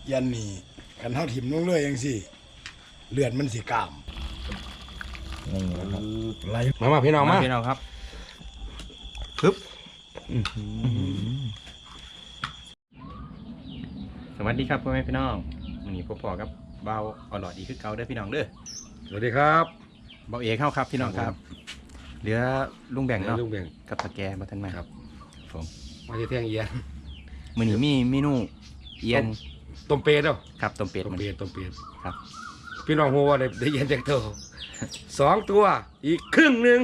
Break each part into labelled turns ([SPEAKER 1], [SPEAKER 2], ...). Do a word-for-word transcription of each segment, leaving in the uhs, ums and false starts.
[SPEAKER 1] ยันนี่กันเท่าถิ่มลงเลยยังสิเลือดมันสีกล้าม
[SPEAKER 2] นี่นะครับ
[SPEAKER 1] ไหล
[SPEAKER 3] มามาพี่น้องมา
[SPEAKER 2] พี่น้องครับ
[SPEAKER 3] ปึ๊บ
[SPEAKER 2] สวัสดีครับพ่อแม่พี่น้องวันนี้พ่อพ่อกับเบาอร่อยดีคือเก่าเด้อพี่น้องเด้อ
[SPEAKER 3] สวัสดีครับ
[SPEAKER 2] เบาเอกเข้าครับพี่น้องครับเหลือลุงแบ่งเนาะ
[SPEAKER 3] ลุงแบ่ง
[SPEAKER 2] กับตะแกมาทันมา
[SPEAKER 3] ครับ
[SPEAKER 2] ผม
[SPEAKER 3] มาที่เที่ยงเอียน
[SPEAKER 2] มื้อนี้มีเมนูเอียน
[SPEAKER 3] ต้มเป็ดเนาะ
[SPEAKER 2] ครับต้มเป็ด
[SPEAKER 3] ต้ม
[SPEAKER 2] มัน
[SPEAKER 3] เป็ดต้มเป็ด
[SPEAKER 2] ครับ
[SPEAKER 3] พี่น้องหัวได้ได้เอียนจากเท่าสองตัวอีกครึ่งหนึ่ง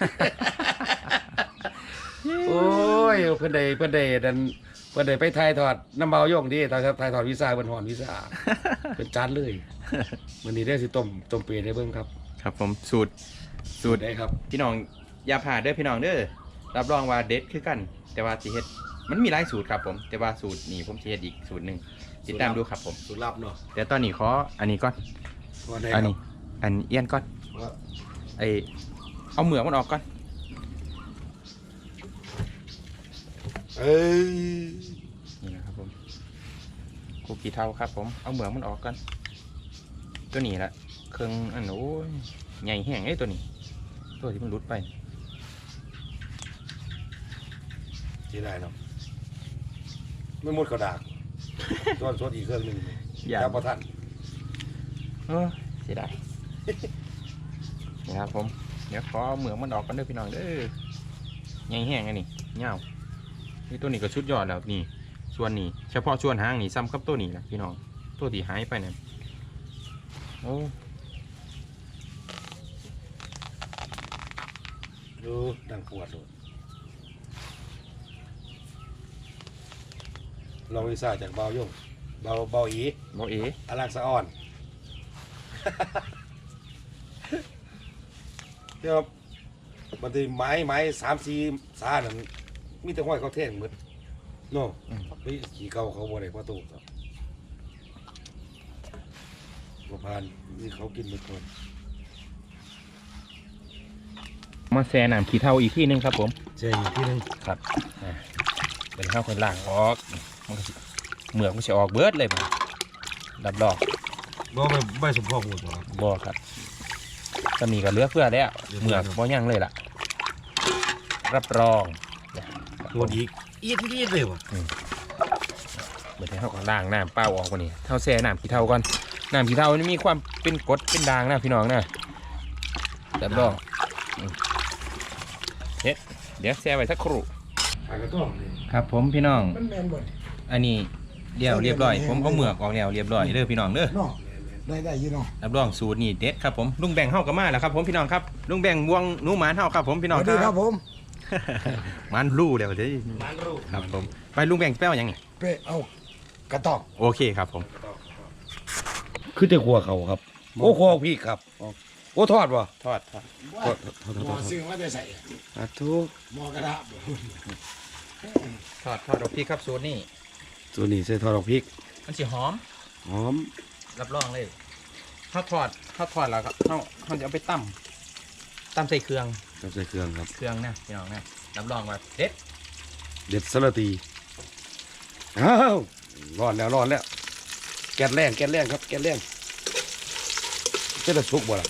[SPEAKER 3] โอ้ยเพื่อนใดเพื่อนใดดันเพื่อนใดไปถ่ายทอดน้ำเบาโย่งดีถ่ายถ่ายทอดวิซ่าบนหอนวิซ่าเป็นจานเลยวันนี้ได้สิต้มต้มเป็ดได้เบิ่งครับ
[SPEAKER 2] ครับผมสูตรสูตร
[SPEAKER 3] ได้ครับ
[SPEAKER 2] พี่น้องอย่าผ่าดเด้อพี่น้องเด้อรับรองว่าเด็ดคือกัน แต่ว่าสิเฮ็ดมันมีหลายสูตรครับผมแต่ว่าสูตรนี้ผมสิเฮ็ดอีกสูตรหนึ่งติดตามดูครับผม
[SPEAKER 3] สูตรลับเนาะ
[SPEAKER 2] เดี๋ยวตอนนี้ขออันนี้ก่อน
[SPEAKER 3] ว่าได้
[SPEAKER 2] อัน
[SPEAKER 3] ครั
[SPEAKER 2] นี้
[SPEAKER 3] บ
[SPEAKER 2] อันเอียนก่อน
[SPEAKER 3] ว่า
[SPEAKER 2] ไอเอาเหมือกมันออกก่อน
[SPEAKER 3] เอ้ย
[SPEAKER 2] นี่นะครับผมคุกกี้เทาครับผมเอาเหมือกมันออกก่อนตัวนี้ละเครื่องอันโอ้ยใหญ่แห้งไอ้ตัวนี้ ตัวที่มันรุดไป
[SPEAKER 3] ที่ได้เนาะไม่หมดกระดาษส่วนส่วนอีกเครื่องหนึ่ง
[SPEAKER 2] อย่า
[SPEAKER 3] จับประทัน
[SPEAKER 2] เออเสียดาย นี่ครับผมเดี๋ยวขอเอาเหมือกมันออกกันเด้อพี่น้องเด้อใหญ่แห้งอันนี้เงานี่ตัวนี้ก็ชุดยอดแล้วนี่ส่วนนี้เฉพาะส่วนหางนี่ซ้ำกับตัวนี้นะพี่น้องตัวที่หายไปเนี่ยโอ้
[SPEAKER 3] ดูดังปวดเลยลองวิซ่าจากเบาโย่งเบาเบาอี
[SPEAKER 2] บอเอ๋
[SPEAKER 3] อลักสะอ่อน เดี๋ยวมันจะไม้ไม้สามสี่สานั่นมีแต่ห้อยเขาเท่งหมดโน่ไปขี่เก่าเขาบ่ได้ประตูครับบ่ผ่านนี่เขากินหมดคน
[SPEAKER 2] มาแซ่น้ำขี้เท่าอีกที่นึงครับผม
[SPEAKER 3] เจ๊อยู่ที่นึง
[SPEAKER 2] ครับอ่าเป็นข้าวคนล่างออกมันก็สิเหมือกมันจะออกเบิดเลยบ่ดับดอก
[SPEAKER 3] บ่ไม่ไม่สมพงษ์หมดหรอก
[SPEAKER 2] บ่ครับตอนนี้ก็เหลือเพื่อแล้ว
[SPEAKER 3] เหลือ
[SPEAKER 2] เห
[SPEAKER 3] เฟื
[SPEAKER 2] มื
[SPEAKER 3] อ
[SPEAKER 2] อกบ่ยังเลยล่ะ รับรอง
[SPEAKER 3] หมดอีกอีดอีดเลยวะ
[SPEAKER 2] เหมือนที่เขาก็ล่างน้ำเปล่าออกกว่านี้เท่าแซ่น้ำขี้เท่าก่อนน้ำขี้เท่านี่มีความเป็นกรดเป็นด่างนะพี่น้องนะดับดอกอืมเฮ็ดเดี๋ยวแซ่ไว้สักครู่
[SPEAKER 3] หากระต้องเลย
[SPEAKER 2] ครับผมพี่น้อง
[SPEAKER 1] มันแมนหมด
[SPEAKER 2] อันนี้เดียวเรียบร้อย ผมเอาเหมือกออกแล้วเรียบร้อยเด้อพี่น้องเด้อ
[SPEAKER 1] เนาะได้ได้อยี่เนาะ
[SPEAKER 2] รับรองสูตรนี่เด็ดครับผมลุงแบ่งเฮากับมาแล้วครับผมพี่น้องครับลุงแบ่งบวงหนูหมานเฮาครับผมพี่
[SPEAKER 1] ส
[SPEAKER 2] น้อง
[SPEAKER 1] วัสดีครับผม
[SPEAKER 2] มันรู้แล้วเด้อ
[SPEAKER 3] มันรู
[SPEAKER 2] ครับผมไปลุงแบ่งแป้วยังไง
[SPEAKER 1] เป้เอากระตอก
[SPEAKER 2] โอเคครับผม
[SPEAKER 3] คือแต่ขัวเขาครับโอ้ขัวพี่ครับโอ้ทอดวะ
[SPEAKER 2] ทอดทอด
[SPEAKER 3] ทอดทอดทอด
[SPEAKER 1] หมอซื้อมาได้ใส่
[SPEAKER 3] อ่ะทุก
[SPEAKER 1] หมอกระดาษ
[SPEAKER 2] ทอดทอดดอกพี่ครับสูตรนี่
[SPEAKER 3] ตัวนี้ใส่ทอดดอกพริก
[SPEAKER 2] มันสิหอม
[SPEAKER 3] หอม
[SPEAKER 2] รับรองเลยข้าวทอดข้าวทอดแล้วก็เขาเขาจะเอาไปตั้มตั้มใส่เครื่อง
[SPEAKER 3] กับใส่เครื่องครับ
[SPEAKER 2] เครื่องนะพี่น้องนะรับรองว่าเด็ด
[SPEAKER 3] เด็ดสลัดตีอ้าวร้อนแล้วร้อนแล้ว แก๊สแรงแก๊สแรงครับแก๊สแรงจะได้สุกบ่ล่ะ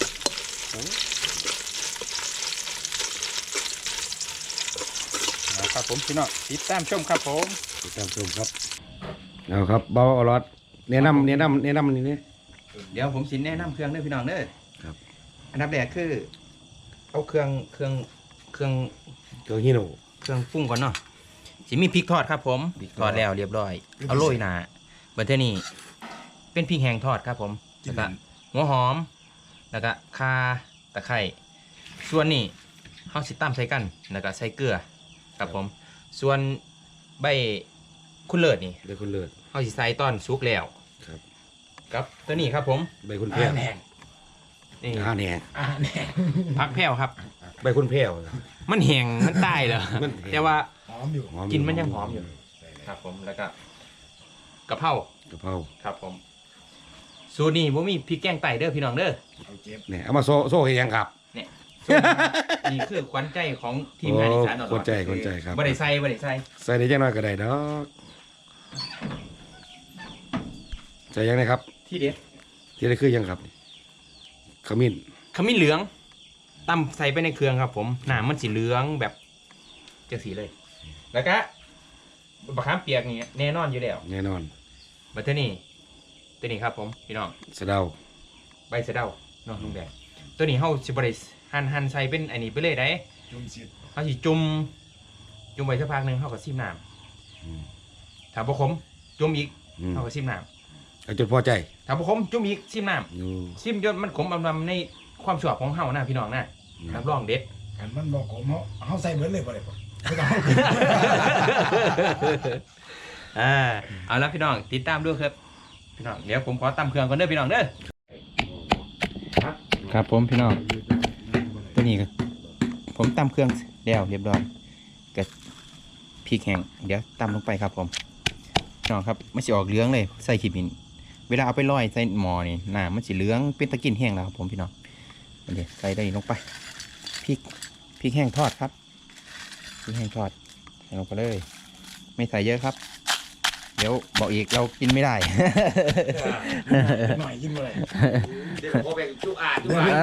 [SPEAKER 2] นะครับผมพี่น้องติดตามชมครับผม
[SPEAKER 3] ติดตามชมครับเอาครับเบาเอารอดแนะนำแนะนำแนะนำนี่นี่
[SPEAKER 2] เดี๋ยวผมสิแนะนำเครื่องเด้อพี่น้องเด้อ
[SPEAKER 3] ครับ
[SPEAKER 2] อันดับแรกคือ เอาเครื่องเครื่องเครื่อง
[SPEAKER 3] เครื่องฮิโน
[SPEAKER 2] เครื่องปรุงก่อนเนาะสิมีพริกทอดครับผม
[SPEAKER 3] พริกท
[SPEAKER 2] ท
[SPEAKER 3] อ
[SPEAKER 2] อ
[SPEAKER 3] ด
[SPEAKER 2] ดแล้วเรียบร้อย เอาโรยหนาบัดเทอนี้เป็นพริกแห้งทอดครับผมแล้วก็หัวหอมแล้วก็ข่าตะไคร้ส่วนนี้เฮาสิตำใส่กันแล้วก็ใส่เกลือครับผม ส่วนใบคุณเลิศนี่
[SPEAKER 3] ใบคุณเลิศ
[SPEAKER 2] เฮาสิใส่ตอนสุกแล้ว
[SPEAKER 3] ครับ
[SPEAKER 2] กับตัวนี้ครับผม
[SPEAKER 3] ใบคุณแพ้ว
[SPEAKER 1] แหง
[SPEAKER 2] นี่
[SPEAKER 3] อ่าแหน่
[SPEAKER 1] อ่าแหง
[SPEAKER 2] ผักแพรวครับ
[SPEAKER 3] ใบคุณแพ้ว
[SPEAKER 2] มันแห้งมันตายเหรอ
[SPEAKER 3] มันแห้ง
[SPEAKER 2] แต่ว่า
[SPEAKER 1] หอมอยู่
[SPEAKER 3] หอม
[SPEAKER 2] กินมันยังหอมอยู่ ครับผมแล้วก็กะเพราก
[SPEAKER 3] ะเพรา
[SPEAKER 2] ครับผมสูตรนี้ผมมีพริกแกงไตเด้อพี่น้องเด้อ
[SPEAKER 1] เอาเจ็บ
[SPEAKER 3] เนี่ยเอามาโซ่โซ่ให้ยังครับ
[SPEAKER 2] เนี่ยสูตรนี้นี่คือขวัญใจของทีมงานอีสานตลอด
[SPEAKER 3] คนใจคนใจครับ
[SPEAKER 2] บ่ได้ใส่บ่ได้ใส่
[SPEAKER 3] ใส่ได้จังน้อยก็ได้ดอกใส่ยังไงครับ
[SPEAKER 2] ที่เด็ด
[SPEAKER 3] ที่ได้คือยังครับขมิ้น
[SPEAKER 2] ขมิ้นเหลืองตำใส่ไปในเครื่องครับผมหนามันสีเหลืองแบบเจ้าสีเลย แล้วก็บะขามเปียกนี่แน่นอนอยู่แล้ว
[SPEAKER 3] แน่นอน
[SPEAKER 2] บัตเทอร์นี่ตัวนี้ครับผมพี่น้อง
[SPEAKER 3] สะเดา
[SPEAKER 2] ใบสะเดาเนาะลุงแดงตัวนี้เฮาสิบริหั่นหั่นใส่เป็นอันนี้ไปเลยได้
[SPEAKER 1] จุ่มสิ
[SPEAKER 2] เฮาสิจุ่มจุ่มไว้สักพักหนึงเฮาก็ซิมน้
[SPEAKER 3] อืม
[SPEAKER 2] ำถ้าบ่ขมจุ่มอีก
[SPEAKER 3] อืม
[SPEAKER 2] เฮาก็ซิมน้
[SPEAKER 3] เอาจนพอใจ
[SPEAKER 2] ำถ้าบ่ขมจุ่มอีกซิมน้
[SPEAKER 3] อยู่
[SPEAKER 2] ำซิมจนมันขมอำลำในความชอบของเฮานะพี่น้องนะรับรองเด็ด
[SPEAKER 1] กันมันบอกผมเขาเขาใส่เบิดเลยบ่ได้บ่ไม่ต้อง
[SPEAKER 2] อ่าเอาละพี่น้องติดตามด้วยครับพี่น้องเดี๋ยวผมขอตำเครื่องก่อนเด้อพี่น้องเด้อครับผมพี่น้องตัวนี้ก็ผมตำเครื่องแล้วเรียบร้อยกับพริกแห้งเดี๋ยวตำลงไปครับผมพี่น้องครับไม่ใช่ออกเหลืองเลยใส่ขีบินเวลาเอาไปลอยใส่หม้อนี่น้ำมันสีเหลืองเป็นตะกินแห้งแล้วครับผมพี่น้องเดี๋ยวใส่ได้ลงไปพริกพริกแห้งทอดครับพริกแห้งทอดใส่ลงไปเลยไม่ใส่เยอะครับเดี๋ยวบอกอีกเรากินไม่ได้
[SPEAKER 1] หน่อยกินบ่ได้
[SPEAKER 3] เดี๋ยวพอแบ่งจุอ่านจุอ่าน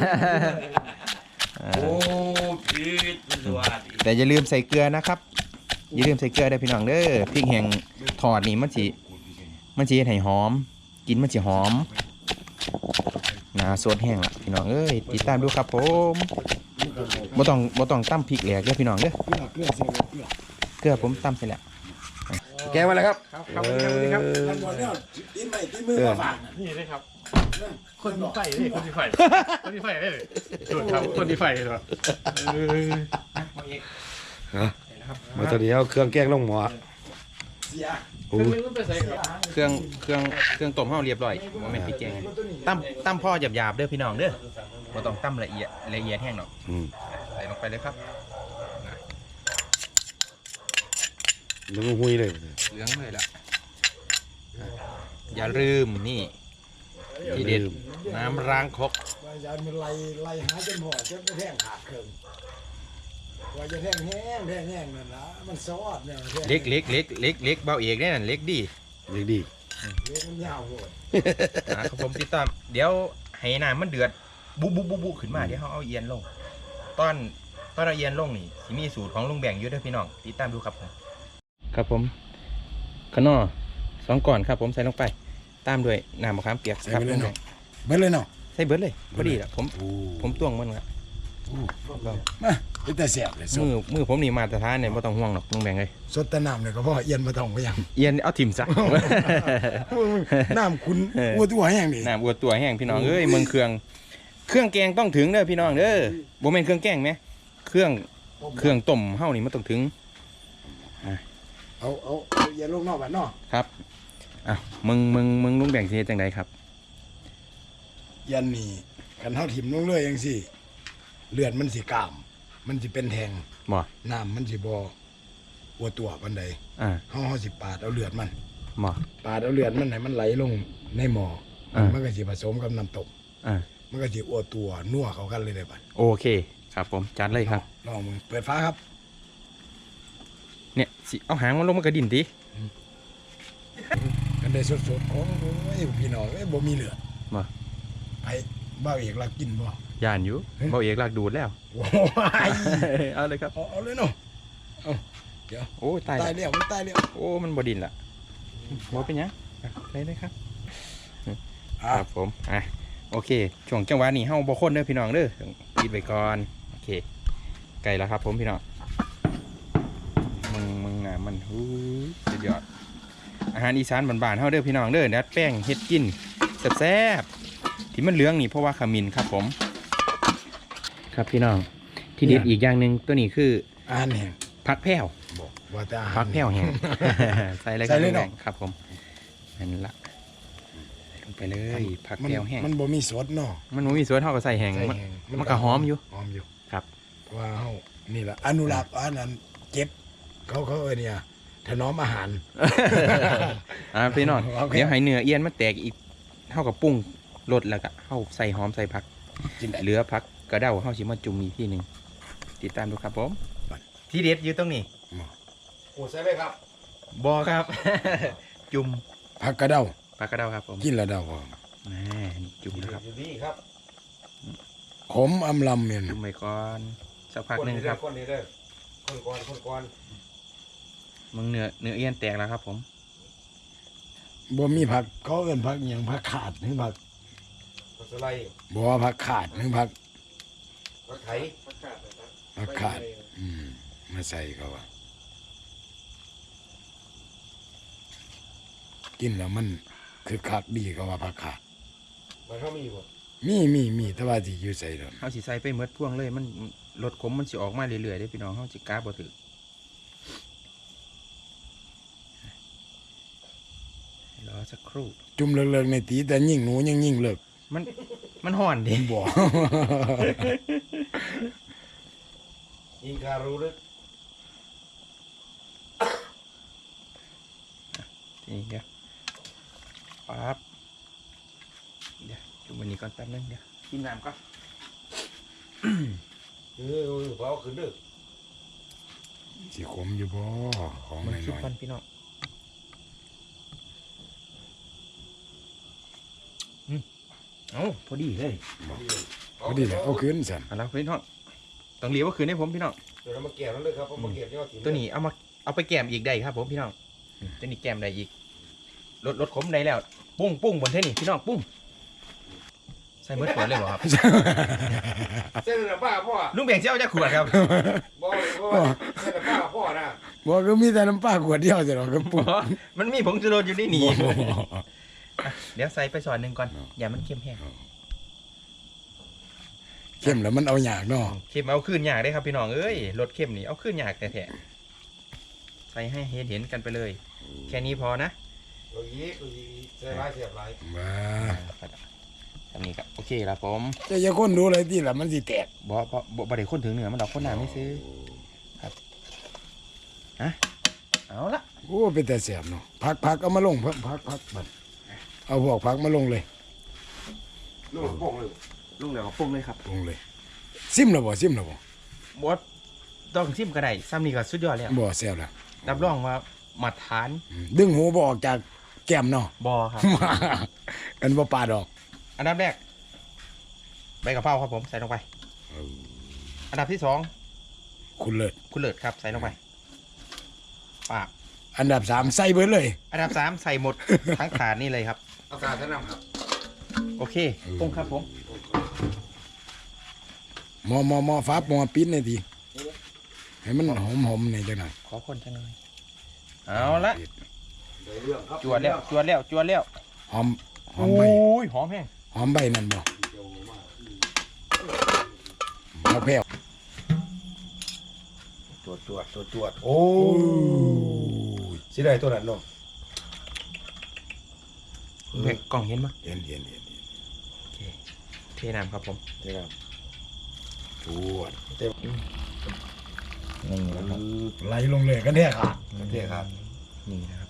[SPEAKER 3] โอ้พีดมันสวัสดี
[SPEAKER 2] แต่อย่าลืมใส่เกลือนะครับอย่าลืมใส่เกลือได้อพี่น้องเด้อพริกแห้งทอดนี่มันสิมันสิเฮ็ดให้หอม กินมันสิหอมหนาสดแห้งละพี่น้องเอ้ยติดตามดูครับผมบ่ต้องบ่ต้องตำพริกแหลกเด้อพี่น้องเด้อ
[SPEAKER 1] เกลือเกลือเสียเกลือ
[SPEAKER 2] เกลือผมตำเสร็จแล้ว
[SPEAKER 3] แกมาแล้วครับ
[SPEAKER 2] ครับครับสวัสดีครับ
[SPEAKER 1] มันบ่เนี่ยตีนไม่ตีนมือมาฝากน่ะ
[SPEAKER 4] นี่เลยครับ คนที่ไฟนี่คนที่ไฟ คนที่ไฟได้เลยสุดครับคนที่ไฟเลยครับ
[SPEAKER 3] ฮะมาตอนนี้เอาเครื่องแกงลงหม้อ
[SPEAKER 1] เสีย
[SPEAKER 3] โอ้
[SPEAKER 4] ไม่รู้ไปใส่ครับ
[SPEAKER 2] เครื่องเครื่องเครื่องต้มเฮาเรียบร้อยบ่แม่นพริกแกงตำตำพ่อหยาบๆเด้อพี่น้องเด้อบ่ต้องตำละเอียดละเอียดแห้งหรอก
[SPEAKER 3] อืม
[SPEAKER 2] ใส่ลงไปเลยครับ
[SPEAKER 3] น้ำหุยเลย
[SPEAKER 2] เหลืองเลยล่ะอ่ะอย่าลืมนี่ทีเด็ดน้ำล้างครก
[SPEAKER 1] ว่าจะมันไล่ไล่หาจนหอจนไปแท่งขาดเครื่องว่าจะแท่งแห้งแท่งแห้งนั่นล่ะมันซอดเนี่ยแท่ง
[SPEAKER 2] เล็กเล็กเล็กเล็กเล็กเบาเอกเนี่ยนั่นเล็กดี
[SPEAKER 3] เล็กดี
[SPEAKER 1] เล็กมันยาวโหด
[SPEAKER 2] อ่ะครับผมติดตามเดี๋ยวให้น้ำมันเดือดบุบบุบบุบบุขึ้นมาเดี๋ยวเขาเอาเอียนลง ตอนตอนเอาเอียนลงนี่สิมีสูตรของลุงแบ่งอยู่เด้วยพี่น้องติดตามดูครับผมครับผมขนอสองก่อนครับผมใส่ลงไปตามด้วยน้ำมะขามเปียก
[SPEAKER 1] ใส่
[SPEAKER 2] ครับ
[SPEAKER 1] ไปเล
[SPEAKER 2] ลุ
[SPEAKER 1] ย
[SPEAKER 2] งแบ่
[SPEAKER 1] เนาะ
[SPEAKER 2] ง
[SPEAKER 1] เบิดเลยเนาะ
[SPEAKER 2] ใส่เบิร์ดเลยพอดีละผม
[SPEAKER 3] โอ้
[SPEAKER 2] ผมตวงมันครับ
[SPEAKER 1] มาเป็นแต่แสบเลยส
[SPEAKER 2] มื
[SPEAKER 1] ด
[SPEAKER 2] อมือผมนี่มาตรฐานเนี่ยไม่ต้องห่วงหรอกลุงแบ่งเลย
[SPEAKER 1] สดแต่น้ำเนี่ยก็พอเอียนมาต้องไปยัง
[SPEAKER 2] เอียนเอาถิ่มซะ
[SPEAKER 1] น้ำคุณ
[SPEAKER 2] เออ
[SPEAKER 1] อ้วตัวแห้งนี่
[SPEAKER 2] น้ำอวดตัวแห้งพี่น้องเอ้ยเมืองเครื่องเครื่องแกงต้องถึงเด้อพี่น้องเด้อบ่แม่นเครื่องแกงไหมเครื่องเครื่องต้มเฮานี่มันต้องถึง
[SPEAKER 1] เอาเอาเอาเอียนลงนอกบ้านเนาะ
[SPEAKER 2] ครับอ่ะมึงมึงมึงลุงแบ่งสิเฮ็ดจังไดครับ
[SPEAKER 1] เอียนนี่กันเฮาถิ่มลงเลยจังซี่เลือดมันสิกล้าม มันสิเป็นแทง
[SPEAKER 2] บ่
[SPEAKER 1] น้ำมันสิบ่อ้วตัวปานใด
[SPEAKER 2] อ่า
[SPEAKER 1] เฮาเฮาสิปาดเอาเลือดมัน
[SPEAKER 2] บ่
[SPEAKER 1] ปาดเอาเลือดมันให้มันไหลลงในหม้อ
[SPEAKER 2] อ่ามั
[SPEAKER 1] มันก็สิผสมกับน้ำตก
[SPEAKER 2] อ่า
[SPEAKER 1] มันก็สิอ้วตัวนัวเข้ากันเลยได้บัด
[SPEAKER 2] โอเคครับผมจัดเลยครับ
[SPEAKER 1] ลองมึงเปิดฟ้าครับ
[SPEAKER 2] เนี่ยสิเอาหางมันลงมากระดิ่นติ
[SPEAKER 1] กันได้สดๆของโอ้ยพี่น้องเอ้ยบ่มีเลือด
[SPEAKER 2] บ่
[SPEAKER 1] ไผบ้าวเอกรักกินบ่
[SPEAKER 2] ย่านอยู่เบาเอกลากดูดแล้ว
[SPEAKER 1] โอ้ย
[SPEAKER 2] เอาเลยครับ
[SPEAKER 1] เอาเอาเลยเนาะ
[SPEAKER 2] โอ้ยตาย
[SPEAKER 1] ตาย
[SPEAKER 2] แล้ว
[SPEAKER 1] แล้วมันตายแล้ว
[SPEAKER 2] โอ้มันบ่ดิ่นละบ่เป็นหยังอ่ะเลยเลยครับ
[SPEAKER 1] อ่ะ
[SPEAKER 2] ครับผม อ่ะ โอเค ช่วงจังหวะนี้เฮาบ่คนเด้อพี่น้องเด้อปิดไว้ก่อน โอเค ไก่แล้วครับผมพี่น้อง มึงมึงน่ะมันหูยสุดยอด อาหารอีสานบ้านๆเฮาเด้อพี่น้องเด้อดัดแป้งเฮ็ดกินแซ่บๆที่มันเหลืองนี่เพราะว่าขมิ้นครับผม ครับพี่น้อง ที่เด็ดอีกอย่างหนึ่งตัวนี้คือ
[SPEAKER 1] อาหารแห้ง
[SPEAKER 2] ผักแพรว
[SPEAKER 1] บอกว่าแต่อาหาร
[SPEAKER 2] ผักแพรวแห้ง ใส่เลยค
[SPEAKER 1] ใส่
[SPEAKER 2] รับ
[SPEAKER 1] เลยเนาะ
[SPEAKER 2] ครับผมนั่นละใส่ลงไปเลยผัก
[SPEAKER 1] มัน
[SPEAKER 2] แพรวแห้ง
[SPEAKER 1] มันบ่มีสดเนาะ
[SPEAKER 2] มันบ่มีส่วนเท่ากับใส่แห้ง
[SPEAKER 1] ใส่
[SPEAKER 2] มัน
[SPEAKER 1] แห้ง
[SPEAKER 2] มันก็หอมอยู่
[SPEAKER 1] หอมอยู่
[SPEAKER 2] ครับ
[SPEAKER 1] เพราะว่าเฮานี่ล่ะอนุรักษ์อันนั้นเก็บ เขาเขาเอ้ยเนี่ยถนอมอาหาร
[SPEAKER 2] อ่าพี่น้อง
[SPEAKER 1] โอเค
[SPEAKER 2] เดี๋ยวให้เนื้อเอียนมันแตกอีกเท่ากับปรุงรสแล้วก็เฮาใส่หอมใส่ผัก
[SPEAKER 1] กินได้
[SPEAKER 2] เหลือผักกระเด้าเฮาสิมาจุ่มอีกทีหนึงติดตามดูครับผมที่เด็ดอยู่ตรงนี้
[SPEAKER 3] โอ้ใส่เลยครับ
[SPEAKER 2] บอครับ จุ่ม
[SPEAKER 1] ผักกระเด้า
[SPEAKER 2] ปลากระเดาครับผม
[SPEAKER 1] กินแล้วเดาพอ
[SPEAKER 2] แหม่นี่จุ่มนะครับ
[SPEAKER 3] อยู่นี่ครับ
[SPEAKER 1] ขมอำลำเนี่ย
[SPEAKER 2] จุ่มไปก่อนสักพักหนึ่งครับ
[SPEAKER 3] คนนี้เด้อคนก่อนคนก่อน
[SPEAKER 2] มึงเนื้อเนื้อเอี้ยนแตกแล้วครับผม
[SPEAKER 1] บ่มีผักเขาเอิ้นผักหยังผักขาดหรือผัก
[SPEAKER 3] ผักสไลด์
[SPEAKER 1] บ่ว่าผักขาดหรือผัก
[SPEAKER 3] ผักไถ
[SPEAKER 1] ผักขาดอืมมาใส่เขาว่ากินแล้วมันคือคักดีเขาว่าผักขาด
[SPEAKER 3] มันเขามีบ่
[SPEAKER 1] มีมีมีแต่ว่าสิอยู่ใส่ดอก
[SPEAKER 2] เขาสิใส่ไปเมดพ่วงเลยมันรสขมมันสิออกมาเรื่อยๆได้พี่น้องเขาสิกล้าบ่ถือรอสักครู่
[SPEAKER 1] จุ่มเลิกๆในตีแต่ยิ่งหนูยังยิ่งเลิก
[SPEAKER 2] มันมันห่อนดิ
[SPEAKER 1] บ่
[SPEAKER 3] ยิงคารู้ลึก
[SPEAKER 2] นี่เดี๋ยวปั๊บเดี๋ยวจุ่มวันนี้ก่อนแป๊บนึงเดี๋ยวกินน้ำก่อน
[SPEAKER 3] เออเผาขึ้นเด้อ
[SPEAKER 1] สิขมอยู่บ่ของ
[SPEAKER 2] มันคิด
[SPEAKER 1] น้อย
[SPEAKER 2] ก่อนพี่น้องอืมเอ้าพอดีเลย
[SPEAKER 1] ๆพอดีแหละเอาคืนสั่น
[SPEAKER 2] เอาละพี่น้องต้องเลี้ยวว่าคืนให้ผมพี่น้อง
[SPEAKER 3] เดี๋ยวเรามาแกะนั่นเลยครับเอามาแกะยอดถิ่น
[SPEAKER 2] ตัวนี้เอามาเอาไปแกมอีกได้ครับผมพี่น้องอืมตัวนี้แกมได้อีกลดลดขมได้แล้วปุ้งปุ้งบนเท่นี่พี่น้องปุ้งใส่เมื่อขวดเลยเหรอครับ
[SPEAKER 3] เส้นน้ำปลาพ่อ
[SPEAKER 2] ลุงแบ่งเจ้าจะขวดครับ
[SPEAKER 3] บ่บ่เส้นน้ำปลาพ่อนะ
[SPEAKER 1] บ่ก็มีแต่น้ำปลาขวดเดียวจะหรอกก็ปุ๊บ
[SPEAKER 2] มันมีผงชูรสอยู่ในนี่อ่ะเดี๋ยวใส่ไปส่วนหนึ่งก่อนอย่ามันเค็มแห้ง
[SPEAKER 1] เข้มแล้วมันเอายากเนาะ
[SPEAKER 2] เค็มเอาขึ้นยากได้ครับพี่น้องเอ้ยรสเค็มนี่เอาขึ้นยากแท้ๆใส่ให้เห็นเห็นกันไปเลย แค่นี้พอนะ
[SPEAKER 3] ตัวยีตัวยีใส่ร้ายเสียบหลาย
[SPEAKER 1] ว้า
[SPEAKER 2] แบบนี้ครับโอเคแล้วผม
[SPEAKER 1] จะจะคนดูอะไรที่ล่ะมันสิแตก
[SPEAKER 2] บ่บ่บ่บ่ได้คนถึงเหนือมันดอกคนหนาไม่ซื้อครับฮะเอาละ
[SPEAKER 1] โอ้เป็นแต่แสบเนาะพักพักเอามาลงพักพักพักบัดเอาพวกพักมาลงเลย
[SPEAKER 3] ลูกโป่งเลย
[SPEAKER 2] ลุงเดี๋ยวปรุงเลยครับ
[SPEAKER 1] ลงเลย ซิมแล้วบ่ซิมแล้วบ่
[SPEAKER 2] บดต้องชิมก็ได้ซ้ำนี่ก็สุดยอดแล้ว
[SPEAKER 1] บ่แซ่บแล้ว
[SPEAKER 2] รับรองว่ามาทาน
[SPEAKER 1] อืมดึงหูบ่ออกจากแก้มเนาะ
[SPEAKER 2] บอครับ
[SPEAKER 1] กันบ่ปาดอก
[SPEAKER 2] อันดับแรกใบกะเพราครับผมใส่ลงไป อันดับที่สอง
[SPEAKER 1] คุณเลิศ
[SPEAKER 2] คุณเลิศครับใส่ลงไปปาก
[SPEAKER 1] อันดับสามใส่เบิดเลย
[SPEAKER 2] อันดับสามใส่หมด ทั้งถาดนี่เลยครับ
[SPEAKER 3] เอาการท่านนำครับ
[SPEAKER 2] โอเคปรุงครับผม
[SPEAKER 1] หมอหมอหมอฟ้าหมอปิดหน่อยทีให้มันหอมหอมๆหน่อยจังหน่อย
[SPEAKER 2] ขอคนจังเลยเอาละ
[SPEAKER 3] ได้เรื่องครับ
[SPEAKER 2] จวดแล้วจวดแล้วจวดแล้ว
[SPEAKER 1] หอมหอ
[SPEAKER 2] โอ้
[SPEAKER 1] มใบ
[SPEAKER 2] ยหอมแห้ง
[SPEAKER 1] หอมใบนั่นบ่เอาแพ้ว
[SPEAKER 3] จวดจวดจวดจวดโอ้ยสิได้ตัวนั้นเนาะ
[SPEAKER 2] เห็นกล่องเห็นปะ
[SPEAKER 1] เห็นเห็นเห็น
[SPEAKER 2] โอเคเทน้ำครับผม
[SPEAKER 3] นี่ครับ
[SPEAKER 1] จวด
[SPEAKER 2] นี่นะครับ
[SPEAKER 1] ไหลลงเลยกันแท้ค่ะ
[SPEAKER 3] โอเคครับ
[SPEAKER 2] นี่นะครับ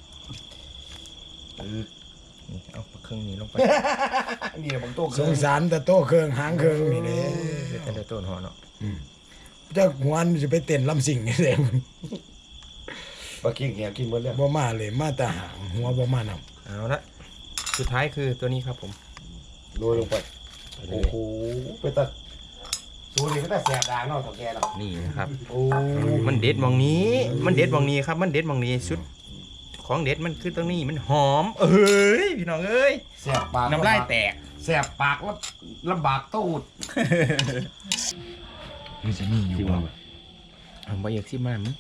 [SPEAKER 2] นี่เอาเครื่องนี้ลงไป
[SPEAKER 3] นี่บางโต๊ะ
[SPEAKER 1] สงสารแต่โตเครื่องหางเครื่องนี่เด้
[SPEAKER 2] เป็นแต่ต้นหอเนาะ
[SPEAKER 1] เจ้าหวนจะไปเต้นลำสิ่งนี่เด้
[SPEAKER 3] ปลากิ้งแหกินหมดแล้ว
[SPEAKER 1] บ่มาเลยมาแต่หางหัวบ่มานำ
[SPEAKER 2] เอาละสุดท้ายคือตัวนี้ครับผม
[SPEAKER 3] โรยลงไปโอ้โหไปตัดสูตรนี้ก็แต่แสบดางเนาะเถ่าแก่เนาะ
[SPEAKER 2] นี่นะครับ
[SPEAKER 3] โอ้
[SPEAKER 2] มันเด็ดมองนี้ มันเด็ดมองนี้ครับ มันเด็ดมองนี้ชุดของเด็ดมันคือตรงนี้มันหอม เอ้ยพี่น้องเอ้ย
[SPEAKER 3] แสบปาก
[SPEAKER 2] น้ำลายแตก
[SPEAKER 3] แสบปากแล้วลำบากตูด
[SPEAKER 1] มันสิมีอยู่บ่
[SPEAKER 2] เอาไปอยากซิมามั้ง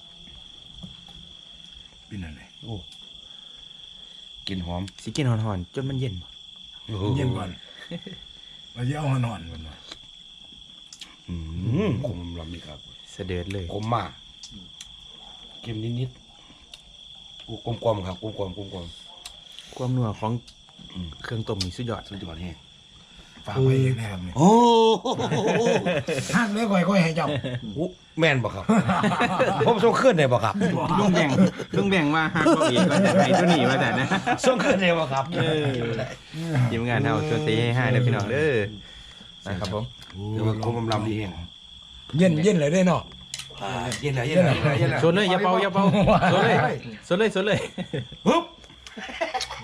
[SPEAKER 1] เป็นอะไร
[SPEAKER 3] โอ้กินหอม
[SPEAKER 2] สิกินหอนๆจนมันเย็นบ่
[SPEAKER 1] เย็นก่อนเราจะเอาหอนๆก่อนว่า
[SPEAKER 3] อืมขมลำนี่ครับ
[SPEAKER 2] เสด็จเลย
[SPEAKER 3] ขมมากเค็มนิดๆกูกลมๆครับกลมๆกลม
[SPEAKER 2] ความนัวของเครื่องต้มนี่สุดยอด
[SPEAKER 3] ๆสุดยอดแห้ง
[SPEAKER 1] ฝากไว้อย่างนี้ครับนี่
[SPEAKER 3] โอ้
[SPEAKER 1] หักเลยค่อยๆให้เจ้า
[SPEAKER 3] โหแม่นบ่ครับ ผมส่งขึ้นได้บ่ครับ
[SPEAKER 2] ลุงแบ่งลุงแบ่งว่าห้ามเขาอีกก็จะให้ตัวนี้มาแต่นะ
[SPEAKER 3] ส่งขึ้นได้บ่ครับ
[SPEAKER 2] เออทีมงานเอาชวนตีให้ห้าเด้อพี่น้องเด้อนะครับผม
[SPEAKER 3] เดี๋ยวมันคมลำดีแห้ง
[SPEAKER 1] เย็นเย็นเลยได้เนาะ
[SPEAKER 3] เย็นแล้วเย็นแล้วเย็นแล้ว
[SPEAKER 2] ชนเลยอย่าเป่าอย่าเป่าชนเลยชนเลยชนเลย
[SPEAKER 3] ฮึบ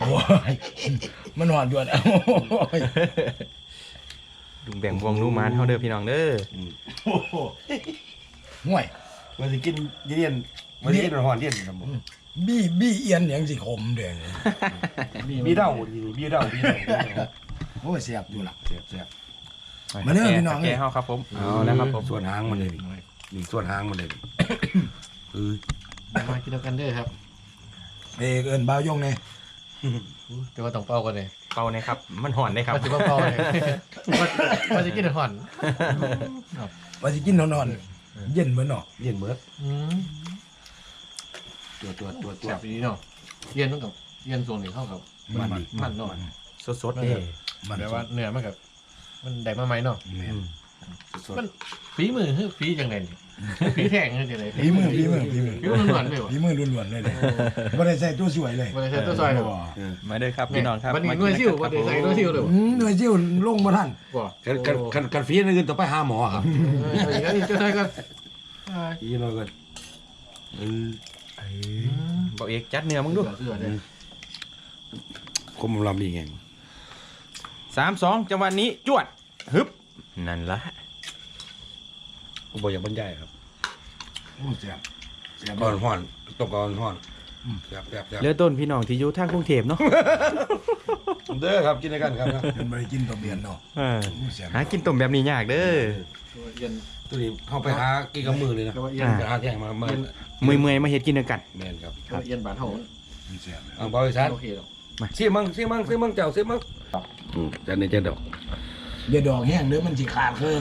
[SPEAKER 1] โอ้ยมันหอนด่วนโอ้ย
[SPEAKER 2] ลุงแบ่งวงลูกหมานเฮาเด้อพี่น้องเด้อ
[SPEAKER 1] โอ้โหห่วย
[SPEAKER 3] มันสิกินเย็นมันสิกินหอนเย็นครับผม
[SPEAKER 1] บี้บี้เอียนอย่างสิขมเด้อ
[SPEAKER 3] มีเด้าดีมีเด้ามีเด้า
[SPEAKER 1] โอ้ยเสียบอยู่ล่ะ
[SPEAKER 3] แซ่บแซ่บ
[SPEAKER 1] มาเด้อพี่น้อง
[SPEAKER 2] แกเฮาครับผมเอาแล้วครับผม
[SPEAKER 3] ส่วนหางมันเลยนี่นี่ส่วนหางมันเลยคือ
[SPEAKER 4] มากินกันเด้อครับ
[SPEAKER 1] เอ้เอิ้นบ่าวยงไง
[SPEAKER 4] แต่ว่าต้องเป่ากันเลย
[SPEAKER 2] เป่าเนี่ยครับมันหอนได้ครับ
[SPEAKER 4] ว่าจะเป่าเลยว่าจะกินห่อน
[SPEAKER 1] ว่าสิกินนอนๆเย็นเหมือนเนาะ
[SPEAKER 3] เย็นเบิด
[SPEAKER 4] อืม
[SPEAKER 3] ตัวตัวตัวตัว
[SPEAKER 4] แซ่บดีเนาะเย็นต้องกับเย็นส่วนหนึ่งเข้ากับ
[SPEAKER 3] มันดี
[SPEAKER 4] มันเนาะ
[SPEAKER 2] สดๆเด้
[SPEAKER 1] มัน
[SPEAKER 4] แต่ว่าเนื้อมันกับมันได้มาไหมเนาะ
[SPEAKER 3] แม่นสด
[SPEAKER 4] มันฝีมือคือฝีจังไงนี่ฝีแทงคือจังไง
[SPEAKER 1] ฝีมือฝีมือฝีมือ
[SPEAKER 4] ฝีมือล้วนๆเลยว่ะ
[SPEAKER 1] ฝีมือล้วนๆเลยเลยบ่ได้ใส่ตัวสวยเลย
[SPEAKER 4] บ่ได้ใส่ตัวซอยเลยบ่
[SPEAKER 3] เออ
[SPEAKER 2] มาเด้อครับพี่น้องครับ
[SPEAKER 4] วันนี้
[SPEAKER 2] มา
[SPEAKER 4] หน่วยซิ่วบ่ได้ใส่หน่วยซิ่วเลยบ่
[SPEAKER 1] อืมหน่วยซิ่วลงบ่ทัน
[SPEAKER 4] บ่
[SPEAKER 3] กันกันกันกันฟรีนั่นคือต้องไปหาหมอครับ
[SPEAKER 4] เอออย่างนี้จะได้ก็
[SPEAKER 3] อีน้อยก็เออ
[SPEAKER 2] บ่เอกจัดเนื้อมึงดู
[SPEAKER 4] เสื้อเนี่ย
[SPEAKER 3] คมลำดีไง
[SPEAKER 2] สามสองจังหวะนี้จวดฮึบนั่นละ
[SPEAKER 3] ผมบอกอย่างบรรยายครับ
[SPEAKER 1] โอ้เสียบเสียบ
[SPEAKER 3] ก่อนห่อนต้องก่อนห่อนแซ่บแซ่บแซ่บ
[SPEAKER 2] เหลือต้นพี่น้องที่อยู่ทางกรุงเทพเนาะ
[SPEAKER 3] เด้อครับกินด้วยกันครับนะ
[SPEAKER 1] มันบ่ได้กินตัวเบียนเนาะ
[SPEAKER 2] เออ
[SPEAKER 1] โอ้เสียบ
[SPEAKER 2] หากินต้มแบบนี้ยากเด้อ
[SPEAKER 4] เย็น
[SPEAKER 3] ตัวนี้เข้าไปหากินกับมือเลยนะ
[SPEAKER 4] ก็ว่าเย็น
[SPEAKER 3] ไปหาแท่งมาเมื่อ
[SPEAKER 2] เมื่อยๆมาเฮ็ดกินด้วยกัน
[SPEAKER 3] แมนครับ
[SPEAKER 4] ก็ว่าเย็นบานเฮา
[SPEAKER 1] มันเสียบ
[SPEAKER 3] อ่างบริษัท
[SPEAKER 4] โอเคหรอก
[SPEAKER 3] ซีมังซีมังซีมังเจ้าซีมังอืมแต่นี่จะดอก
[SPEAKER 1] อย่าดอกแห้งเด้อมันสิขาดเครื่อง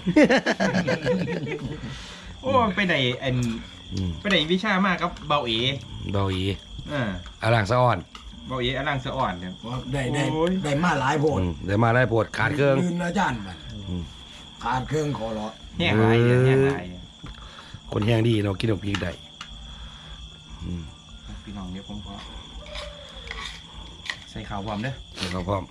[SPEAKER 2] โอ้ไปได้อัน
[SPEAKER 3] อืม
[SPEAKER 2] ไปได้วิชามากกับเบาเอ
[SPEAKER 3] เบาอี
[SPEAKER 2] เออ
[SPEAKER 3] อาล่างสะอ่อน
[SPEAKER 2] เบาเออลังสะอ่อนเนี่ย
[SPEAKER 1] ว่าได้ได้
[SPEAKER 2] โอ้ย
[SPEAKER 1] ได้มาหลายโพด
[SPEAKER 3] อืมเดี๋ยวมาได้ปวดขาดเครื่อง
[SPEAKER 1] ลืมอาจารย์มัน
[SPEAKER 3] อืม
[SPEAKER 1] ขาดเครื่องขอร้อ
[SPEAKER 2] แห้งหลายเนี่ยแห้งหลายเนี่ย
[SPEAKER 3] คนแห้งดีเนาะกินดอกพีกได้อืม
[SPEAKER 2] พี่น้องเดี๋ยวผมขอใส่ข้าวพร้อมเด้อ
[SPEAKER 3] เดี๋ยวเขาพร้อม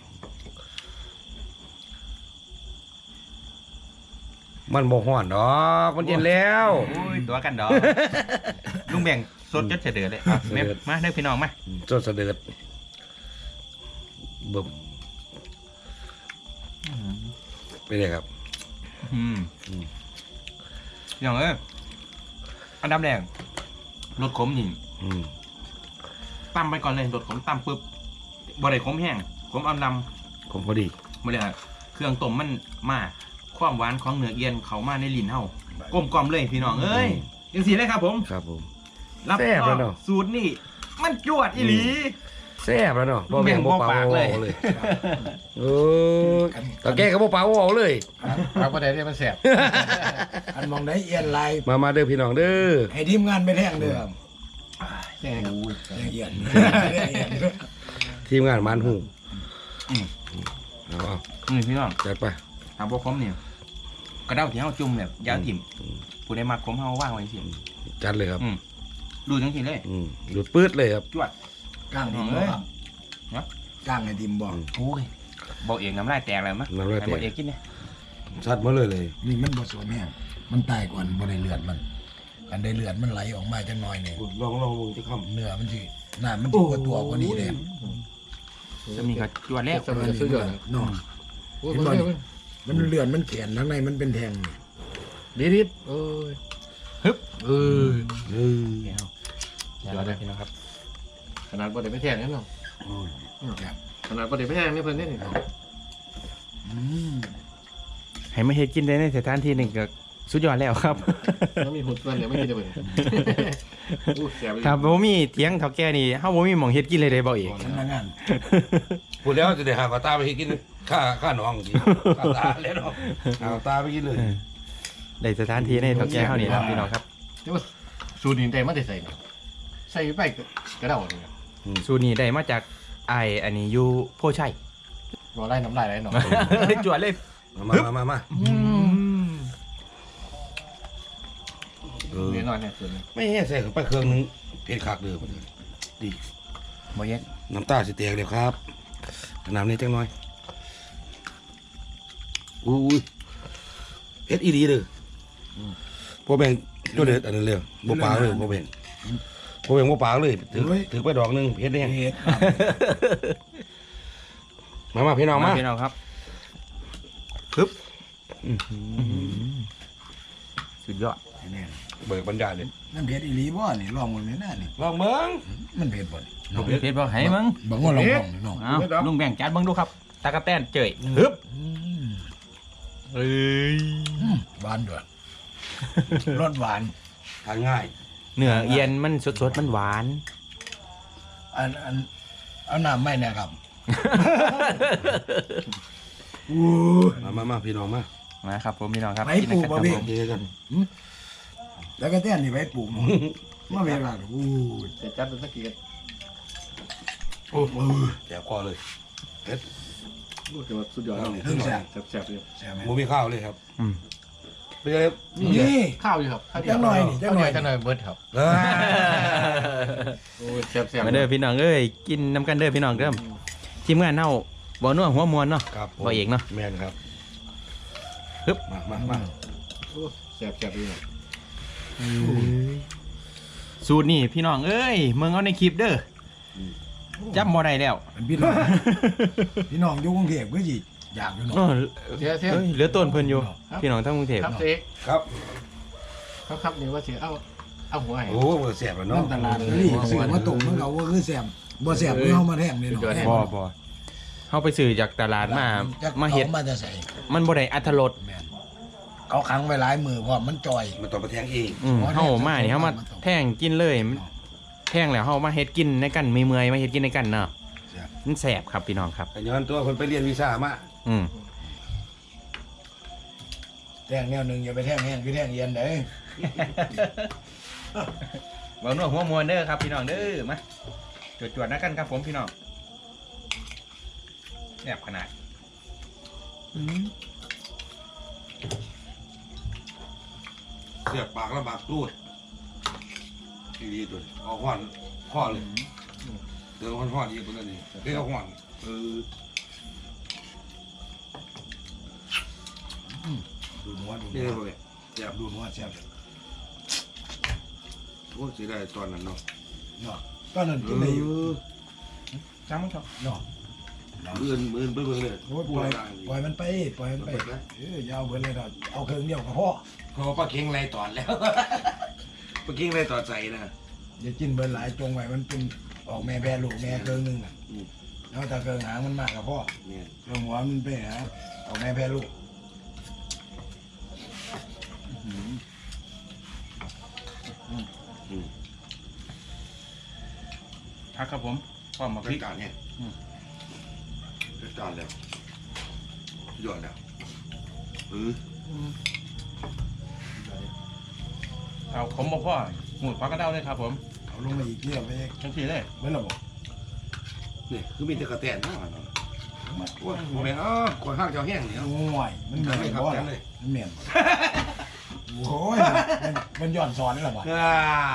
[SPEAKER 3] มันบ่ฮ้อนดอกมันเย็นแล้ว
[SPEAKER 2] โอ้ยตัวกันดอกลุงแบ่งสดจดเฉดือเลยอ่ะแม่มาเด้อพี่น้องมา
[SPEAKER 3] จนเสด็จเบิ่มไปเลยครับ
[SPEAKER 2] อืม
[SPEAKER 3] อืม
[SPEAKER 2] อย่างเอ้ยอันดับแรกรสขมนี่
[SPEAKER 3] อืม
[SPEAKER 2] ตำไปก่อนเลยรสขมตำปุ๊บบ่ได้ขมแห้งขมอำล
[SPEAKER 3] ผมพอดี
[SPEAKER 2] ำบ่ได้อะเครื่องต้มมันมาความหวานของเนื้อเอียนเข้ามาในลิ้นเฮากลมกล่อมเลยพี่น้องเอ้ยจังซี่เลยครับผม
[SPEAKER 3] ครับผม
[SPEAKER 2] รับ
[SPEAKER 3] แซ่บ
[SPEAKER 2] ร
[SPEAKER 3] แล้
[SPEAKER 2] อ
[SPEAKER 3] ว
[SPEAKER 2] ง
[SPEAKER 3] เนอะ
[SPEAKER 2] สูตรนี่มันจวดอีหลี
[SPEAKER 3] แซ่บแล้วเนาะบ่
[SPEAKER 2] แม่
[SPEAKER 3] แม่
[SPEAKER 2] ง
[SPEAKER 3] ง
[SPEAKER 2] บ่
[SPEAKER 3] บ่ปา
[SPEAKER 2] ปาก
[SPEAKER 3] ก
[SPEAKER 2] เลย
[SPEAKER 3] เลยเออตะแกก็บ่ปากบ่เอาเลย
[SPEAKER 4] ปากบ่ได้เนี่ยมันแซ่บ
[SPEAKER 1] อันมองได้เอียนลาย
[SPEAKER 3] มามาเด้อพี่น้องเด้อ
[SPEAKER 1] ให้ทีมงานไปแท่งเด้อ
[SPEAKER 4] แซ่บครับ
[SPEAKER 1] แท่งเอียนแท่งเอียน
[SPEAKER 3] ทีมงานมานหู
[SPEAKER 2] อืม
[SPEAKER 3] เอาเอา
[SPEAKER 2] นี่พี่น้อง
[SPEAKER 3] จัดไป
[SPEAKER 2] ถามบ่ขมนี่กระเด้าที่เฮาจุ่มแบบยาวถิ่มผู้ใดมักขมเฮาว่างไว้สิ
[SPEAKER 3] จัดเลยครับ
[SPEAKER 2] อืมดูจังซี่เลย
[SPEAKER 3] อืมดูดปื๊ดเลยครับ
[SPEAKER 2] จวด
[SPEAKER 1] ก้างดิมบ่ครับ
[SPEAKER 2] ฮะ
[SPEAKER 1] ก้างไอ้ดิมบ่
[SPEAKER 2] โอ้ยบ่เอกน้ำลายแตกเลยมั้ย
[SPEAKER 3] น้ำลายแตก
[SPEAKER 2] ให้บ่เอกกินเนี่ย
[SPEAKER 3] ชัดมาเลยเลย
[SPEAKER 1] นี่มันบ่สวมแห้งมันตายก่อนบ่ได้เลือดมัน อันได้เลือดมันไหลออกมาจังหน่อยนี่
[SPEAKER 3] ลองลองมึงจะค
[SPEAKER 1] เนื้อมันสิน้ำมันสิกว่าตัวกว่านี้เลย
[SPEAKER 2] จะมีก็จวดแล้ว
[SPEAKER 4] สมัยสุดยอด
[SPEAKER 1] เนาะ
[SPEAKER 4] โอ้ยมัน
[SPEAKER 1] มันเลือดมันแข็งข้างในมันเป็นแทงนี่
[SPEAKER 4] ดีดิดโอ้ย
[SPEAKER 2] ฮึบ
[SPEAKER 4] เออ
[SPEAKER 3] ำเออ
[SPEAKER 2] จวดเลยพี่น้องครับ
[SPEAKER 4] ขนาดบ่ได้ไปแทงนั่นเนาะ
[SPEAKER 1] โอ้ยครับ
[SPEAKER 4] ขนาดบ่ได้ไปแทงนี่เพิ่นนี่นี่
[SPEAKER 1] อืม
[SPEAKER 2] ให้มาเฮ็ดกินได้ในสถานที่หนึงก็สุดยอดแล้วครับ
[SPEAKER 4] แล้วมีหุ่นส่วนเดี๋ยวไม่กินได้เพิ่นอู้แซ่บ
[SPEAKER 2] ครับบ่มีเถียงเฒ่าแก่นี่เฮาบ่มีหม่องเฮ็ดกินเลยเด้บ่เอก
[SPEAKER 1] พนักงาน
[SPEAKER 3] พูดแล้วจะได้หากระตาไปกินข้าข้าน้องสิข้าตาแล้วเนาะหากระตาไปกินเลย
[SPEAKER 2] ได้สถานที่ในเฒ่าแก่เฮานี่ครับพี่น้องครับ
[SPEAKER 4] แต่ว่าสูตรนี้ได้มาได้ใส่นี่ใส่ไปกระเดานี่ครับ
[SPEAKER 2] สูตรนี้ได้มาจากไอ้อันนี้อยู่โพชัย
[SPEAKER 4] บ่ไล่น้ำลายไหลเนาะ
[SPEAKER 2] จวดเลย
[SPEAKER 3] มามามามาเออ
[SPEAKER 4] เดี๋ยวหน่อยเนี่ยส่วนนี้
[SPEAKER 3] ไม่ใส่เข้าไปเครื่องนึงเผ็ดคักเด้อมันดี
[SPEAKER 2] บ่เย็น
[SPEAKER 3] น้ำตาสิแตกเดี๋ยวครับน้ำนี้จังหน่อยอุ้ยเผ็ดอีดีเด้อพอแบ่งตัวเด็ดอันนั้นเลยบ่ปลาเลยพอแบ่งผมเองว่าปากเลยถือถือไปดอกหนึงเฮ็ดได้ยัง
[SPEAKER 1] เฮ็ด
[SPEAKER 3] มามาพี่น้องมา
[SPEAKER 2] พี่น้องครับปึ๊บสุดยอด
[SPEAKER 1] นี่
[SPEAKER 3] เบิกบรรยายเลย
[SPEAKER 1] มันเผ็ดอีหลีบ่นี่ลองมันแม่น่ะนี่
[SPEAKER 3] ลองเบิ่ง
[SPEAKER 1] มันเผ็ดบ่นี่
[SPEAKER 2] เพชรบอกให้มึง
[SPEAKER 1] บ่งว่าลองลองนี่น้อง
[SPEAKER 2] เอาลุงแบ่งจานเบิ่งดูครับตากระแตนเจยฮึบเอ้ย
[SPEAKER 1] หวานด้วยรสหวาน
[SPEAKER 3] ทานง่าย
[SPEAKER 2] เนื้อเอียนมันสดๆมันหวาน
[SPEAKER 1] อันอันเอาน้ำไม่เนี่ยครับ
[SPEAKER 3] มามามาพี่น้องมา
[SPEAKER 2] มาครับผมพี่น้องครับ
[SPEAKER 1] ไปปลูกบ่พี่
[SPEAKER 3] เจอกัน
[SPEAKER 1] แล้วก็แต้นนี่ไปปลูกมามาเวลาอู้
[SPEAKER 4] เดี๋ยวจัดเป็นสักกี่กัน
[SPEAKER 1] โอ้โห
[SPEAKER 3] แจกคอเลยเฮ็ด
[SPEAKER 4] รู้สึกว่าสุดยอดแล้ว
[SPEAKER 1] เพิ่งแซ่บ
[SPEAKER 4] แซ่บๆเลย
[SPEAKER 1] ใช่ไหม
[SPEAKER 3] บ่มีข้าวเลยครับ
[SPEAKER 2] อืม
[SPEAKER 3] เป็นไง
[SPEAKER 1] นี่
[SPEAKER 4] ข้าวอยู่ครับ
[SPEAKER 1] จังหน่อยนี่จังหน่อย
[SPEAKER 4] จังหน่อยเบิร์ดครับ
[SPEAKER 3] เอ้ย
[SPEAKER 4] โอ้ยแซ่บๆ
[SPEAKER 2] มาเด้อพี่น้องเอ้ยกินน้ำกันเด้อพี่น้องเด้อทีมงานเน่าบ่นัวหัวมวนเนาะ
[SPEAKER 3] ครับผม
[SPEAKER 2] บ่เอกเนาะ
[SPEAKER 3] แม่นครับ
[SPEAKER 2] ฮึบ
[SPEAKER 3] มามามา
[SPEAKER 4] โอ้แซ่บๆเลย
[SPEAKER 2] สูตรนี่พี่น้องเอ้ยเมืองเอาในคลิปเด้อจำบ่ได้แล้ว
[SPEAKER 1] เป็นพี่น้องพี่น้องอยู่กรุงเทพก็สิอยากอยู่เนาะ
[SPEAKER 2] เออ
[SPEAKER 4] เสียเสีย
[SPEAKER 2] เอ้ยเหลือต้นเพิ่นอยู่พี่น้องทั้งกรุงเทพ
[SPEAKER 4] ครับเสีย
[SPEAKER 3] ครับ
[SPEAKER 4] ครับครับนี่ว่าเสียเอาเอาหัวให้
[SPEAKER 3] โอ้โหแซ่บแล้ว
[SPEAKER 1] น้อ
[SPEAKER 3] เนาะ
[SPEAKER 1] งตลาดนี่ซื้อมาตุ่มมันก็ว่าคือแซ่บบ่แซ่บคือเฮามาแท่งนี่เนาะ
[SPEAKER 2] บ่บ่เฮาไปซื้อจากตลาดมามาเฮ็ด
[SPEAKER 1] มาจะใส่
[SPEAKER 2] มันบ่ได้อรรถรส
[SPEAKER 1] แม่นเขาขังไว้หลายมือเพราะมันจ่อย
[SPEAKER 3] มันต้องไปแทงเอง
[SPEAKER 2] อืมเฮามานี่เฮามาแท่งกินเลยมันแท่งแล้วเฮามาเฮ็ดกินในกันมีเมื่อยมาเฮ็ดกินในกันเนาะมันแซ่บครับพี่น้องครับ
[SPEAKER 3] แต่ย้อนตัวคนไปเรียนวีซ่ามา
[SPEAKER 2] อืม
[SPEAKER 1] แท่งแนวหนึงอย่าไปแท่งแห้งคือแท่งเย็นเด้
[SPEAKER 2] เว้านัวหัวมวนเด้อครับพี่น้องเด้อมาจวดๆนะกันครับผมพี่น้องแซ่บขนาด
[SPEAKER 3] เสียบปากแล้วปากรูดดีๆตัวนี้เอาห่อนข้อเลยเดี๋ยวห่อนห่อนอีกตัวนี้เดี๋ยวห่อนเออ
[SPEAKER 1] ดูหัวดู
[SPEAKER 3] นี่
[SPEAKER 1] หัว
[SPEAKER 3] เลยเสียบ
[SPEAKER 1] ดูหัวแซ่บ
[SPEAKER 3] โอ้สิได้ตอนนั้นเนาะ
[SPEAKER 1] เนาะตอนนั้นกินได้อยู่
[SPEAKER 2] จ้ามั้งครับ
[SPEAKER 1] เนาะ
[SPEAKER 3] มื่นมื่นไปเบิ่งเลย
[SPEAKER 1] โอ้ยปล่อยปล่อยมันไปปล่อยมันไปเออยาวเบิดเลยเนาะเอาเครื่องเดียวก็พอ
[SPEAKER 3] เขาปลาเค็งไรตอนแล้ว ปลาเค็งไรตอนใส่นะ
[SPEAKER 1] อย่ากินเบิดหลายจงไว้มันเป็นออกแม่แพรลูกแม่เครื่องหนึงน่ะแล้วถ้าเครื่องหางมันมากก็พอ
[SPEAKER 3] เนี่ย
[SPEAKER 1] เครื่องหัวมันไปหาออกแม่แพรลูก
[SPEAKER 2] พักครับผมพร้อมมาพ
[SPEAKER 3] จั
[SPEAKER 2] ริ
[SPEAKER 3] ด
[SPEAKER 2] ก
[SPEAKER 3] การเนี่ยจัดการแล้วยอดแล้วเออ
[SPEAKER 2] เอาผมบ่พ่อหมูดพักกระเด้าเลยครับผม
[SPEAKER 1] เอาลงมาอีกเรียบไป
[SPEAKER 2] ทั้งทีเลย
[SPEAKER 1] เบิดและบ่
[SPEAKER 3] นี่คือมีแต่กระแตนทั้งนั้นโอ้ยโมเมนต์อ๋อคนห้างเจ้าแห้งเนี่ย
[SPEAKER 1] โอ้ยมันเหมือน
[SPEAKER 3] ไม่ครับ
[SPEAKER 1] บ่
[SPEAKER 3] แก
[SPEAKER 1] ล่ะ
[SPEAKER 3] เลย
[SPEAKER 1] มันเหมือนบ่โอ้ยมันมันย้อนสอนนี่ล่ะบ่
[SPEAKER 3] อ่า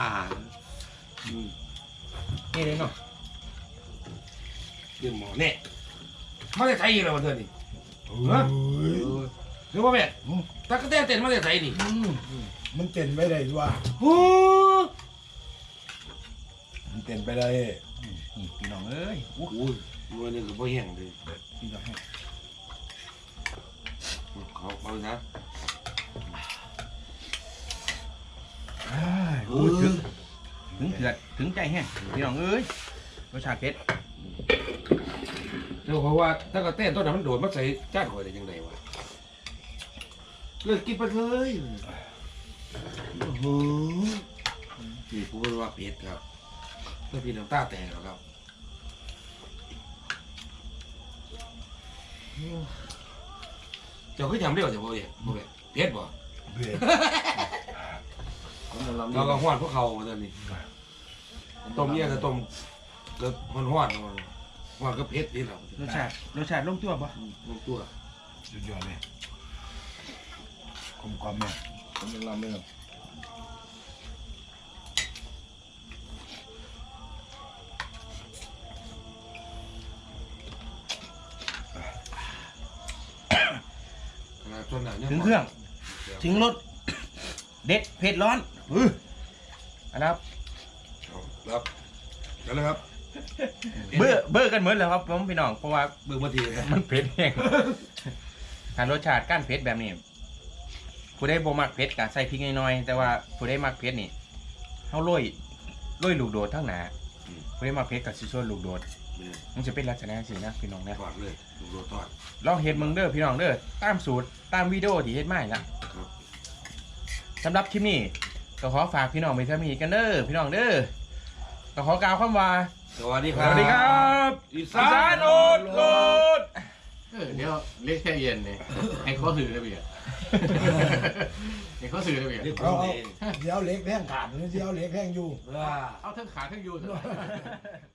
[SPEAKER 2] นี่เลยเนาะ
[SPEAKER 3] เรื่องหมอเนี่ยมาได้ไทยอีกแล้ววันเดือนนี้
[SPEAKER 1] เฮ้ย
[SPEAKER 3] หรือว่าแม่ตะกะแตนเต้นมาได้ไทยนี่
[SPEAKER 1] มันเต้นไปได้ด้วย
[SPEAKER 3] โอ้
[SPEAKER 1] มันเต้นไปได้
[SPEAKER 2] นี่พี่น้องเอ้ย
[SPEAKER 3] โหมันนี่คือพ่อแห้งเลย
[SPEAKER 2] พี่น้องให้
[SPEAKER 3] เขาเขาเลยนะ
[SPEAKER 2] โอ้ยถึงถึงเถื่อนถึงใจแห้งพี่น้องเอ้ยรสชาติเผ็ด
[SPEAKER 3] เดี๋ยวเพราะว่าตะกะแตนต้นนั้นมันโดดมาใส่จ้านหอยได้ยังไงวะเลิกกินไปเลยโอ้โหนี่พูดว่าเผ็ดครับแล้วพี่น้ำตาแตกแล้วครับเจ้าคือทำเร็วจ้ะพ่อเนี่ยพ่อเนี่ยเผ็ดบ่
[SPEAKER 1] เผ็ด
[SPEAKER 3] เราก็ห้อนพวกเขาตอนนี้ต้มเนี่ยก็ต้มก็ห้อนห้อนห้อนก็เผ็ดนี่แหละ
[SPEAKER 2] รสชาติรสชาติลงตัวปะ
[SPEAKER 3] ลงตัว
[SPEAKER 1] สุดยอดเลยกลมกล่อมเนี่ย
[SPEAKER 4] ผมยังรำไม่ครับ
[SPEAKER 2] ถึงเครื่อง ถึงรสเด็ดเผ็ดร้อนอืออันนะครับ
[SPEAKER 3] ครับนั่นแหละครับ
[SPEAKER 2] เบื่อเบื่อกันเหมือนเลยครับผมพี่น้องเพราะว่า
[SPEAKER 3] เบิ่งมาทีนะ
[SPEAKER 2] มันเผ็ดแห้งการรสชาติก้านเผ็ดแบบนี้ผู้ได้บ่มักเผ็ดก็ใส่พริกน้อยๆแต่ว่าผู้ได้มักเผ็ดนี่เฮาโรยโรยลูกโดดทั้งหนาผู้ได้มักเผ็ดก็สิชวนลูกโดดมันจะเป็นลักษณะสินะพี่น้องนะ
[SPEAKER 3] ทอดเลยลูกโดดทอด
[SPEAKER 2] ลองเฮ็ดมึงเด้อพี่น้องเด้อตามสูตรตามวิดีโอที่เฮ็ดมานี่ล่ะ
[SPEAKER 3] ครับ
[SPEAKER 2] สำหรับคลิปนี้ก็ขอฝากพี่น้องไปทำนี้กันเด้อพี่น้องเด้อก็ขอกล่าวคำว่า
[SPEAKER 3] สวัสดีค
[SPEAKER 2] ส
[SPEAKER 3] รับ
[SPEAKER 2] วัสดีครับ
[SPEAKER 3] อี
[SPEAKER 2] อี
[SPEAKER 3] สา
[SPEAKER 2] สาน น
[SPEAKER 3] โอ
[SPEAKER 2] โอ
[SPEAKER 3] ด
[SPEAKER 2] ด
[SPEAKER 3] โล
[SPEAKER 2] โล
[SPEAKER 3] ด
[SPEAKER 2] ด
[SPEAKER 4] เออเดี๋ยวเล็กแค่เย็นเนี่ยให้เขาถือได้เบียร์ให้เขาถือได้เบียร์
[SPEAKER 3] เรียกผ
[SPEAKER 1] เอา
[SPEAKER 3] ม
[SPEAKER 1] เอา
[SPEAKER 3] เอง
[SPEAKER 1] เดี๋ยวเล็กแท่งขาดเดี๋ยวเล็กแท่งอยู่
[SPEAKER 3] ว่า
[SPEAKER 4] เอาทั้งขาทั้งยูเถอะ